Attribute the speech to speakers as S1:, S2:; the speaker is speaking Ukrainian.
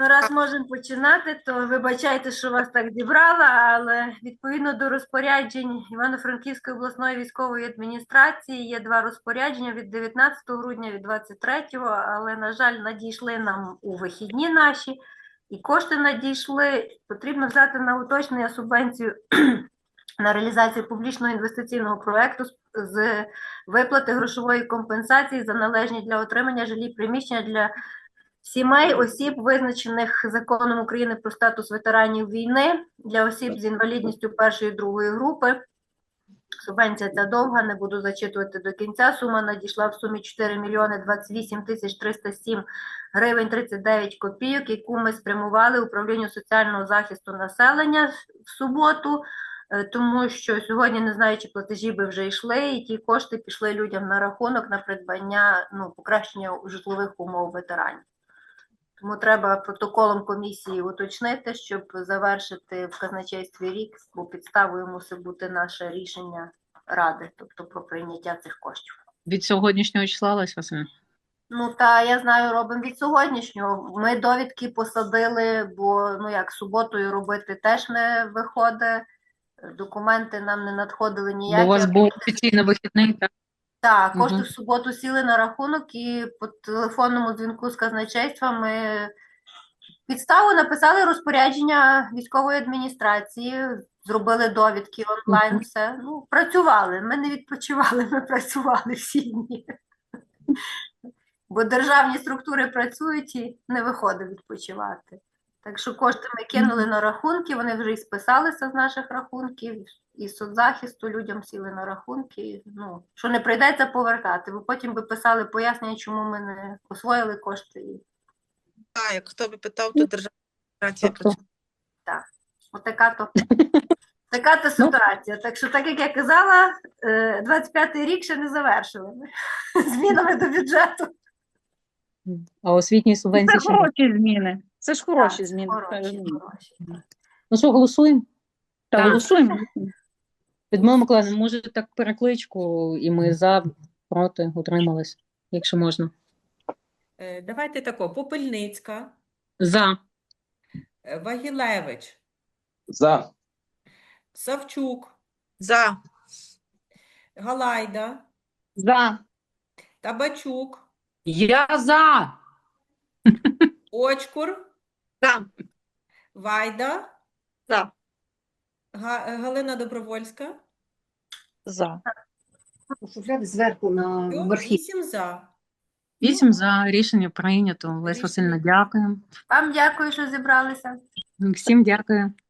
S1: Ну, раз можемо починати, то вибачайте, що вас так зібрала, але відповідно до розпоряджень Івано-Франківської обласної військової адміністрації є два розпорядження від 19 грудня, від 23-го, але, на жаль, надійшли нам у вихідні наші, і кошти надійшли. Потрібно взяти на уточнення субвенцію на реалізацію публічного інвестиційного проєкту з виплати грошової компенсації за належні для отримання жилі приміщення для сімей, осіб, визначених Законом України про статус ветеранів війни, для осіб з інвалідністю першої і другої групи. Субвенція ця довга, не буду зачитувати до кінця. Сума надійшла в сумі 4 мільйони 28 тисяч 307 гривень 39 копійок, яку ми спрямували управлінню соціального захисту населення в суботу, тому що сьогодні, не знаю, чи платежі би вже йшли, і ті кошти пішли людям на рахунок на придбання, покращення житлових умов ветеранів. Тому треба протоколом комісії уточнити, щоб завершити в казначействі рік, бо підставою мусить бути наше рішення Ради, тобто про прийняття цих коштів.
S2: Від сьогоднішнього числа, Леся Василівна?
S1: Та я знаю, робимо від сьогоднішнього. Ми довідки посадили, бо, суботою робити теж не виходить. Документи нам не надходили ніякі.
S2: Бо у вас був офіційно вихідний, так?
S1: Так, кошти в суботу сіли на рахунок, і по телефонному дзвінку з казначейства ми підставу написали розпорядження військової адміністрації, зробили довідки онлайн, все. Працювали, ми не відпочивали, ми працювали всі дні. Бо державні структури працюють і не виходить відпочивати. Так що кошти ми кинули на рахунки, вони вже і списалися з наших рахунків, і соцзахисту людям сіли на рахунки. Що не прийдеться повертати, бо потім би писали пояснення, чому ми не освоїли кошти.
S3: Так, як хто би питав, то державна адміністрація працює.
S1: Так, така то ситуація. Так що, так як я казала, 25-й рік ще не завершили ми змінами до бюджету.
S2: А освітні субвенції
S4: Це хороші зміни. Це ж хороші зміни.
S1: Хороші.
S2: Ну що, голосуємо?
S4: Так, голосуємо.
S2: Людмила Миколаївна, може так перекличку, і ми за, проти, утримались, якщо можна.
S3: Давайте тако. Попельницька,
S2: За.
S3: Вагілевич,
S5: За.
S3: Савчук,
S4: За.
S3: Галайда,
S4: За.
S3: Табачук,
S2: Я за.
S3: Очкур,
S4: За.
S3: Вайда,
S4: За.
S3: Галина Добровольська.
S4: За.
S6: Зверху на верхі.
S3: 8 за.
S2: 8 за. Рішення прийнято. Леся Васильівна, дякую.
S1: Вам дякую, що зібралися.
S2: Всім дякую.